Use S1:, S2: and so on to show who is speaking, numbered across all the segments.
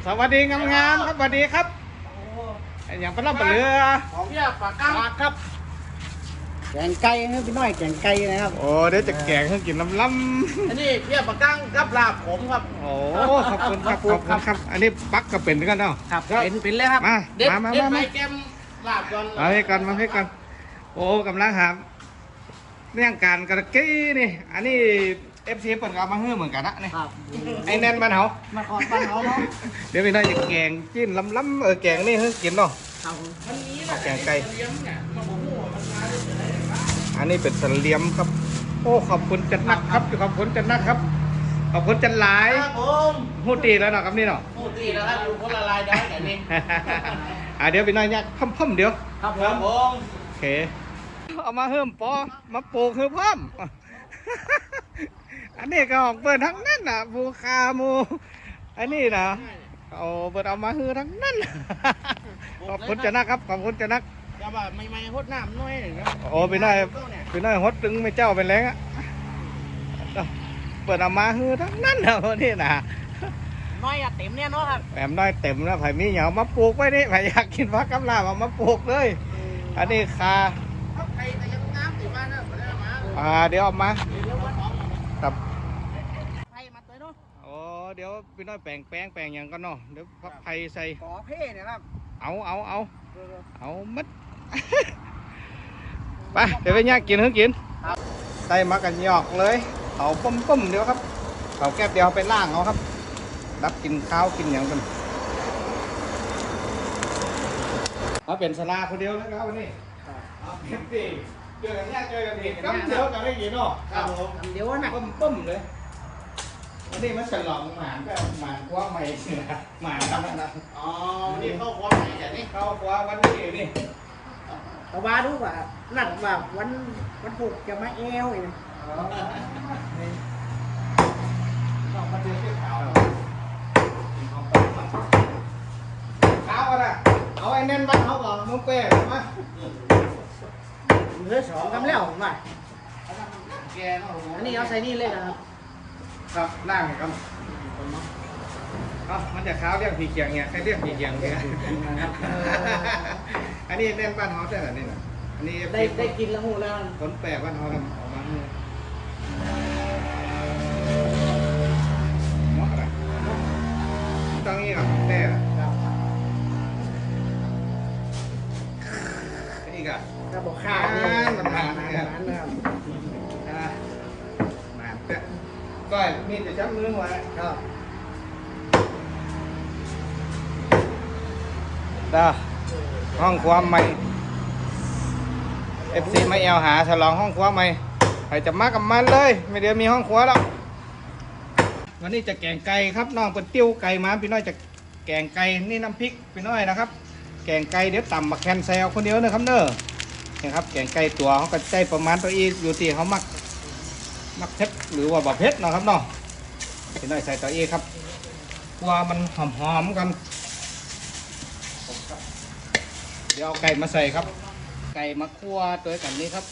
S1: สวัสดีงามๆครับสวัสดีครับอย่างปลาล่ำปลาเรือ
S2: ของพี่ปากกั้ง
S1: ครับ
S3: แกงไก่ให้พี่น้อยแกงไก่นะครับ
S1: โอ้เดี๋ยวจะแกงให้กินล้ำ
S2: อันนี้พี่ปากกั้งกับลาบผมครับ
S1: ๆโอ้ขอบคุณครับขอบคุณครับ อันนี้ปักก็เป็นกันเนาะ
S3: ครับเป็นเลยครับ
S1: มา
S2: เด็ด
S1: มา
S2: เด็ด
S1: มา
S2: ไป
S1: มา
S2: แกมลาบก่อน
S1: มาให้กันมาให้กันโอ้กำลังหาเรื่องการกระกี้นี่อันนี้เอฟซีเปิดกามาเฮือเหมือนกันนะนี่
S3: ครับ
S1: ไอ้แน่นบ้านเขา
S3: มาขอบ้านเขาเนาะ
S1: เดี๋ยวพี่น้อยจะแกงจิ้นล้ำๆแกงนี่ให้กินเนาะ
S3: ครับ
S2: มันนี้นะ
S1: แกงไก่
S2: เลี้ยงเนี่ยมันบอกว่ามันมาได้ยังไงครับ
S1: อันนี้เป็นสเลียมครับ โอ้ขอบคุณจันนักครับขอบคุณจันนักครับ ขอบคุณจันหลาย
S2: ครับผม
S1: หูตีแล้วเนาะครับนี่เนาะ
S2: พูดดีแล้วครับอยู่คนละลายได้แต่นี่
S1: เดี๋ยวพี่น้อยเนี่ยพ่มๆเดี๋ยว
S3: ครับผ
S2: ครับ
S3: ม
S2: ผม
S1: โอเคเอามาเพิ่มปอมาปลูกคือพ่อม อันนี้ก็ออกเปิดทั้งนั้นน่ะบูคาหมูอันนี้นะเอาเปิดเอามาฮือทั้งนั้น ขอบคุณจันนักครับขอบคุณจันนัก
S2: จะว่าไม่หดน้ำน้อยหนึ่งครับ
S1: โอ้พี่น้อยพี่น้อยฮดตึงไม่เจ้าเป็นแรงอ่ะเปิดเอามาฮือทั้งนั้นนะวันนี้นะ
S3: น้อยอะเต็มเนี่ยเนาะครับ
S1: แหมน้อยเต็มแล้วไผ่มีเหยามาปลูกไว้นี่ไผ่อยากกินผักกำลาบเอามาปลูกเลย อันนี้คา
S2: เขาใครแต่ยังน้ำติดมาเนี่ยไม่ได้มา
S1: เดี๋ยวเอามาครับ
S3: ไผ่มาตัวเนาะ
S1: โอ้เดี๋ยวพี่น้อยแปลงอย่างกันเนาะเดี๋ยวผักไผ่ใส่
S3: ขอเพ่เนี่ยครับ
S1: เอามัด ไปเดี๋ยวไปย่างกินให้กินใส่มากันหยอกเลยเอาปุ้มๆเดี๋ยวครับเอาแก้วเดียวไปล่างเอาครับรับกินข้าวกินอย่างกันเอาเป็นสลาคนเดียวแล้วครับวันนี้เอาเต็มที่เจอกันยากเจอกันอีกครับเดียวกันได้ยินเนาะ
S2: ครับผม
S3: เดี๋ยวนะ
S1: ปุ้มเลยวันนี้มันฉลองหมานก็หมานกว่าใหม่นะหมานทำนะ
S2: อ๋อนี่เข้าความไหนแต่นี่
S1: เข้ากว่าวันนี้นี่
S3: ตะวาดูว่านัดว่าวันพุธจะมาแอวอีก
S1: ต้องมาเจอที่ขาวขาวอะไรเอาไอ้แน่นบ้านเขาก่อนมุ้งเป้มา
S3: เหลือสองกำแล้วผมว่า
S2: แกเนาะ
S3: อันนี้เอาใส่นี่เลยนะครับ
S1: ครับล่างครับมันจะขาวเรียกผีเกียงเนี่ยใครเรียกผีเกียงเนี่ยอันนี้แน่นบ้านเขาใช่ไหมนี่นะอันนี้
S3: ได้กินแล้วหูแล้ว
S1: ต้นแปะบ้านเขาทำออกมาเหมาะอะไรต้องงี้ก่อนแน่อีกอ่ะ
S3: ถ้าบอกข้าวนี่มันนะครับ
S1: หมาเนี่ยก้อยมีแต่จับมือไว้
S3: ครับ
S1: ห้องครัวใหม่ FC มาแอลหาฉลองห้องครัวใหม่ใครจะมากับมันเลยไม่เดี๋ยวมีห้องครัวแล้ววันนี้จะแกงไก่ครับน้องเป็นติ้วไก่มาพี่น้อยจะแกงไก่นี่น้ำพริกพี่น้อยนะครับแกงไก่เดี๋ยวต่ำมาแคนแซลคนเดียวนะครับเนอะนี่ครับแกงไก่ตัวเขาก็ใจประมาณตัวอีอยู่ที่เขามักเผ็ดหรือว่าบะเผ็ดนะครับเนาะพี่น้อยใส่ตัวอีครับกลัวมันหอมๆกัน เดี๋ยวเอาไก่มาใส่ครับ ไก่มาคั่วตัวกันนี้ครับ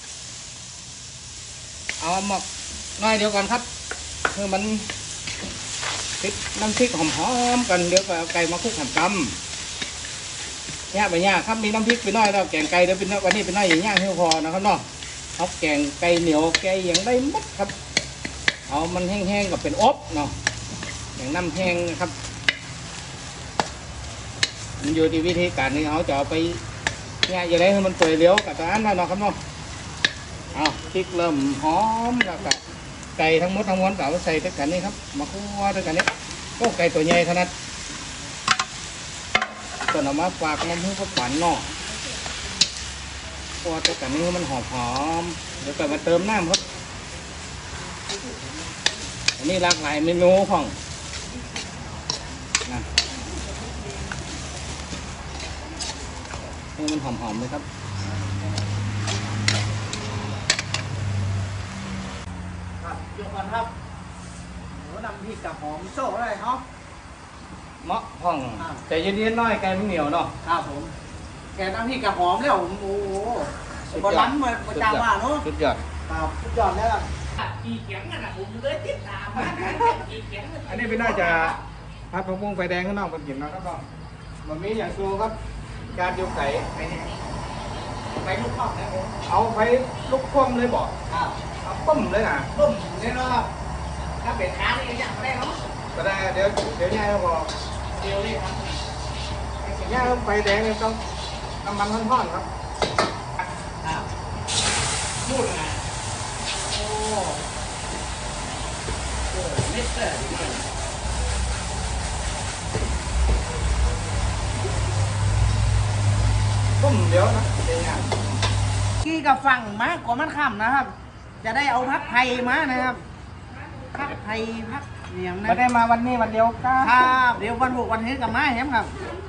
S1: เอาหมกน้อยเดียวก่อนครับเพื่อมันพริกน้ำพริกหอมๆกันเดี๋ยวก็เอาไก่มาคลุกหั่นกำเนี่ยไปเนี่ยครับมีน้ำพริกไปน้อยแล้วแกงไก่เดี๋ยวเป็นวันนี้เป็นน้อยอย่างเงี้ยที่พอนะครับเนาะเอาแกงไก่เหนียวแกงอย่างได้หมดครับ เอามันแห้งๆกับเป็นอบเนาะอย่างน้ำแห้งนะครับมันอยู่ที่วิธีการนี้เขาจะเอาไปเนี่ยอย่าได้ให้มันเปื่อยเลี้ยวกับตัวอันนั่นเนาะครับเนาะเอาพริกเริ่มหอมแล้วก็ไก่ทั้งหมดทั้งมวลก็เอาใส่ด้วยกันนี่ครับมาคั่วด้วยกันนี่โอ้ไก่ตัวใหญ่ขนาดตัวเอามาฝากน้ำผึ้งก็ฝันเนาะคั่วด้วยกันนี่มันหอมๆเดี๋ยวก็มาเติมน้ำครับอันนี้หลากหลายเมนูของนะให้มันหอมๆเลยครับ
S3: ครับยกก่อนครับโหนำพริกกับหอมโซ่อะไรเนาะ
S1: เหมาะห้องแต่เย็นๆหน้อยไก่มันเหนียวเนาะ
S3: ครับผมแกน้ำพริกกับหอมแล้วผมโอ้โหบอลล้ำมาประจำว่าเนาะ
S1: สุดยอด
S3: ครับสุดยอดแล้ว
S2: ขี่เขียงน่ะผมเลยติดตามมาขี่เขียง
S1: อันนี้เป็นน่าจะพัดผักบุ้งไฟแดงข้างนอกมันกินนะครับน้องบะหมี่อย่างซูครับการเดียวไก่
S3: ไปลูกข้อนะผม
S1: เอาไฟลุกคว่ำเลยบอก
S3: ครับ
S1: เอาต้มเลยนะ
S3: ต้มเนี่ยเนาะถ้าเป็นค้านี่ก็อย่างไม่ได้เนาะ
S1: ก็ได้เดี๋ยวย่าเขาบอก
S3: เดียวเลยครับ
S1: ย่าไฟแดงเนี่ยต้องน้ำมันท่อนๆครับ
S3: ครับพูดนะโอ้เม็ดเลย
S1: ต้มเดี๋ยวนะเดี๋ยวย่า
S3: กี้กับฝั่งมากกว่ามันค่ำนะครับ จะได้เอาพักไทยมานะครับพักไทยพักอย่างนั้
S1: ไม่
S3: น
S1: ได้มาวันนี้วันเดียวก้า
S3: ครับเดี๋ยววันบุกวันเฮ็ดกับมาแฮมครับ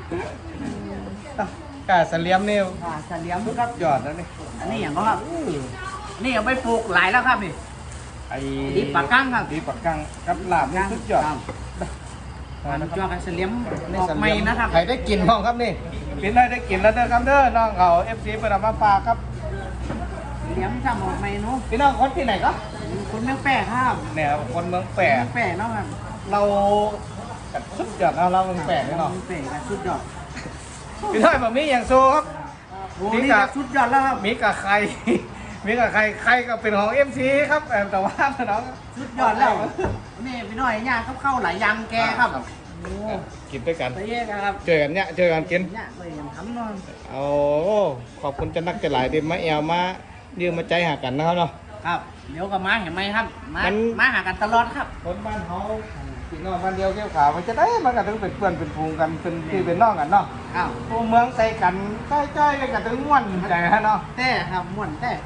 S1: กาเสลียมนี่
S3: เฉลียมครับ
S1: ยอดแล้วนี่
S3: อันนี้อย่างก็ครับนี่เอาไปปลูกหลายแล้วครับนี่
S1: ไอ้
S3: ดีปากกั้งครับ
S1: ดีปากกังกับลาบนี่สุดยอด
S3: ครับมันจ้วกันเฉลียม
S1: นี่
S3: ออก
S1: เส
S3: ใหม่
S1: ลียม
S3: นะครับ
S1: ใครได้กินบ้างครับนี่กินได้กินแล้วเด้อครับเด้อน้องเขาเอฟซีเปิดมาฝากครับ
S3: เฉลียมทำออกใหม่เนาะ
S1: พี่น้องคนที่ไหนก็
S3: คนเมืองแปะครับ
S1: เนี่ยครับคนเมืองแปะ
S3: เมืองแปะเนาะครับ
S1: เรากัดสุดยอดเราเมืองแปะนี่เนาะ
S3: เมืองแปะกับสุดยอด
S1: พี่น้อยแบบนี้อย่างโซครับ
S3: โอ้นี่ครับสุดยอดแล้วครับ
S1: มีกับใคร มีกับใครใครก็เป็นของเอ็มซีครับแต่ว่าน้อง
S3: สุดยอดแล้วนี่พี่น้อยย่างเข้าหลายอยางแกครับโอ้
S1: กินด้วยกัน
S3: ไปเยอะครับ
S1: เจอกันเนี่ยเจอกันกิน
S3: ย่างเลยทำนอน
S1: โอ้ขอบคุณจะนักจะหลายเดิมาแอลมายืมมาใจหากันนะครับเนาะ
S3: ครับเดี๋ยวก็มาเห็นไหมครับมา
S1: มัน
S3: มาหากันตลอดครับ
S1: คนบ้านเขาพี่น้องบ้านเดียวเกี่ยวขาวมันจะได้มันก็ถึงเป็นเพื่อนเป็นพูงกันเป็นพี่เป็นน้องกันเนาะ
S3: อ้าว
S1: ผู้เมืองใส่กันใกล้ๆกันถึงม่วนใจฮะเนาะ
S3: แต่ครับม่วนแต่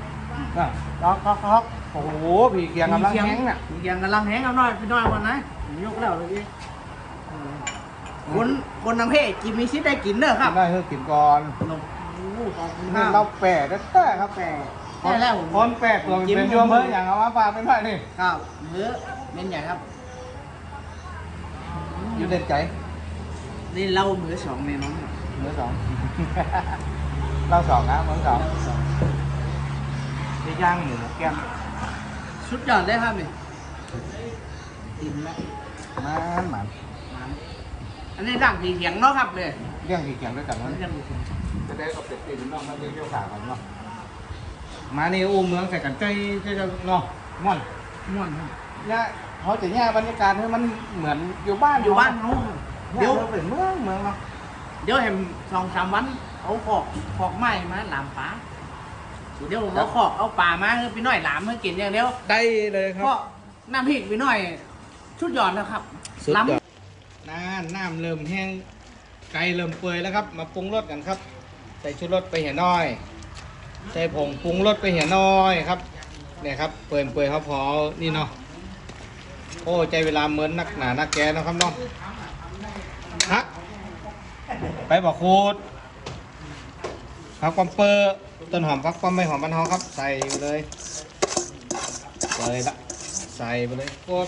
S1: ครับโอ้โหพี่เกียงกำลังแห้งน่ะ
S3: มีเกียงกำลังแห้งเอาหน่อยพี่น้อยวันนะผมยกแล้วเลยพี่คนทางเพศกินมีชิดได้กินเด้อครับ
S1: ได้เฮ้ยกินก่อน
S3: ลงโอ้ขอบคุณค
S1: นี่
S3: รับ
S1: เราแปะได้ครับ
S3: แต่ได้แล้วผม
S1: คนแปะตัวเป็นโยมเฮ้ยอย่างเอามาฝากเป็นไงนี่
S3: ครับเนื้อเป็นใหญ่ครับ
S1: อยู่เด่นใจ
S3: นี่เล่ามือสองในน้อง
S1: เมื่อสอง เราสองนะเมื่อสองได้ย่างหมูแก้ม
S3: ชุดยอดได้ครับนี่อิ่มแล้ว
S1: มันหมัน
S3: อันนี้ดั่งสีเขียงเนาะครับเลย
S1: เรื่องกี่เกียงด้วยกัน
S3: อัน
S1: นะ
S3: นี้ดั่งสีเขียง
S1: จะได้กับเป็ดตีนน้องมาเลี้ยวขากันเนาะมานี่อู้เมืองใส่กันใจจะเนาะม่อน
S3: ม่วนครับ
S1: เนี่ยเขาจะแย่บรรยากาศให้มันเหมือนอยู่บ้าน
S3: อยู่บ้านเขา
S1: เดี๋
S3: เดี๋
S1: ย
S3: ยว ว
S1: เป็นเมืองเนาะ
S3: เดี๋ยวเห็น2-3 วันเอาขอกไม้มาหลามปลาเดี๋ยวผมเอาขอกเอาปลามาให้พี่น้อยหลามให้กินอย่างเดียว
S1: ได้เลยครั
S3: เพราะ
S1: บ
S3: น้ำพริกพี่น้อยชุดยอดแล้วครับ
S1: สุด
S3: ล้
S1: ยอดน้ำเริ่มแห้งไก่เริ่มเปื่อยแล้วครับ มาปรุงรสกันครับ ใส่ชุดรสไปเหี่ยน้อย ใส่ผงปรุงรสไปเหี่ยน้อยครับเนี่ยครับเปื่อยครับพอนี่เนาะโอ้ใจเวลาเหมือนนักหนานักแกเนาะครับเนาะฮักไปบอกคูดผักความเปอร์ต้นหอมผักความไม่หอมมันหอมครับ ใส่ไปเลยละใส่ไปเลยคน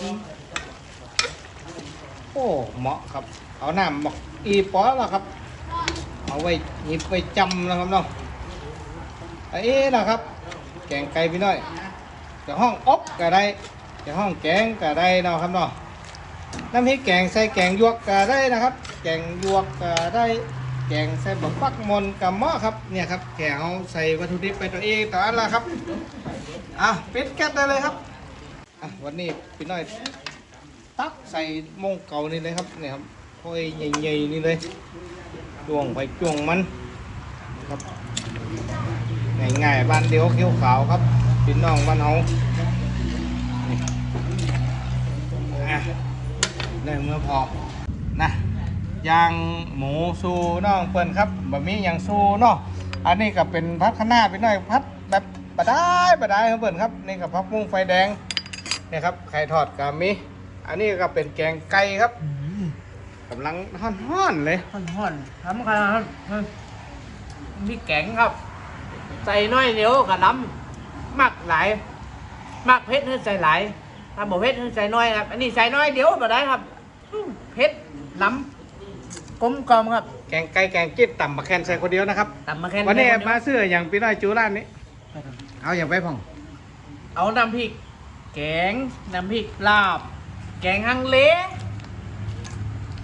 S1: โอ้เหมาะครับ เอาน้ำหมอกอีปอแล้วครับ เอาไว้หยิบไว้จำนะครับเนาะไอ้นะครับ แกงไก่พี่น้อยจะห้องอบก็ได้จะห้องแกงก็ได้เนาะครับเนาะน้ำพริกแกงใส่แกงยวกก็ได้นะครับ แกงยวกก็ได้แกงใส่บะปักมนกับหม้อครับเนี่ยครับแกงเอาใส่วัตถุดิบไปตัวเองต่ออันละครับอ่ะปิดแก๊สได้เลยครับอ่ะวันนี้พี่น้อย ตักใส่โมงเก่านี่เลยครับเนี่ยครับค่อยใหญ่ๆนี่เลยจ้วงไปจ้วงมันครับง่ายๆบ้านเดียวเขียวขาวครับพี่น้องบ้านเฮานี่อ่ะได้เมื่อพอนะย่างหมูซูน้องเปิ้นครับบะหมี่อย่างซูเนาะอันนี้ก็เป็นพัดข้างหน้าพี่น้อยพัดแบบบะได้ครับเปิ้นครับนี่กับพักมุ้งไฟแดงเนี่ยครับไข่ทอดกามีอันนี้ก็เป็นแกงไก่ครับกำลังฮ้อนๆเลย
S3: ห่อนทำกันมีแกงครับ ใส่น้อยเดียวกับน้ำมักหลายมักเผ็ดให้ใส่หลายถ้าบอกเผ็ดให้ใส่น้อยครับ อันนี้ใส่น้อยเดียวมาได้ครับเผ็ดล้ำกลมกล่อมครับ
S1: แกงไก่แกงจิ้มต่ำมาแคนใส่คนเดียวนะครับ
S3: ตำมาแค่
S1: วันนี้
S3: เดีย
S1: มาซื้ออย่างพี่น้อยจูร้านนี้ เอาอย่างไปพ่อง
S3: เอาน้ำพริกแกงน้ำพริกลาบ แกงฮังเล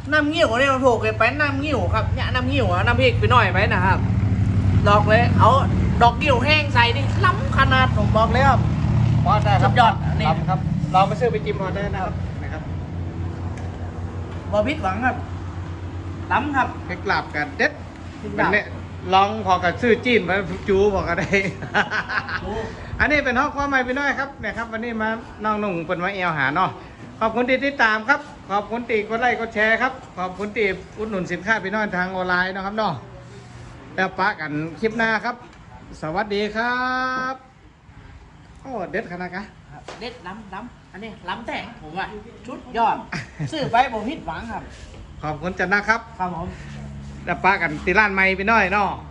S3: น้ำเงี้ยวเนี่ยมันโผล่ไปน้ำเงี้ยวครับเนี่ยน้ำเงี้ยวอะน้ำพริกไปหน่อยไหมนะครับดอกเลยเอาดอกเงี้ยวแห้งใส่นี่ล้ำขนาดผมบอกเลยครับ
S1: พอได้ครับ
S3: สุดยอดอันนี้
S1: ลำครับลองไปซื้อไปจิ้มพอได้นะครับ
S3: บอพิษหวังครับล้ำครับ
S1: ไปกราบกันเด็ด
S3: พิษ
S1: เป็น
S3: ดาบ
S1: เนี่ยลองพอกับซื้อจีนไปจูพอก็ได้
S3: โอ้
S1: อันนี้เป็นห้องความใหม่พี่น้อยครับเนี่ยครับวันนี้มาน้องหนุ่งเป็นมาเอวหาเนาะขอบคุณที่ติดตามครับ ขอบคุณตีกดไลค์กดแชร์ครับขอบคุณตีอุดหนุนสินค้าพี่น้อยทางออนไลน์เนาะครับเนาะแล้วปะกันคลิปหน้าครับ สวัสดีครับโอ้เด็ดขนาดกะ
S3: ครับเด็ดล้ำอันนี้ล้ำแต่งผมว่าชุดยอดซื้อไปบอพิษหวังครับ
S1: ขอบคุณจันนะครับ
S3: ครับผม
S1: แล้วปะกันตีร้านใหม่พี่น้อยเนาะ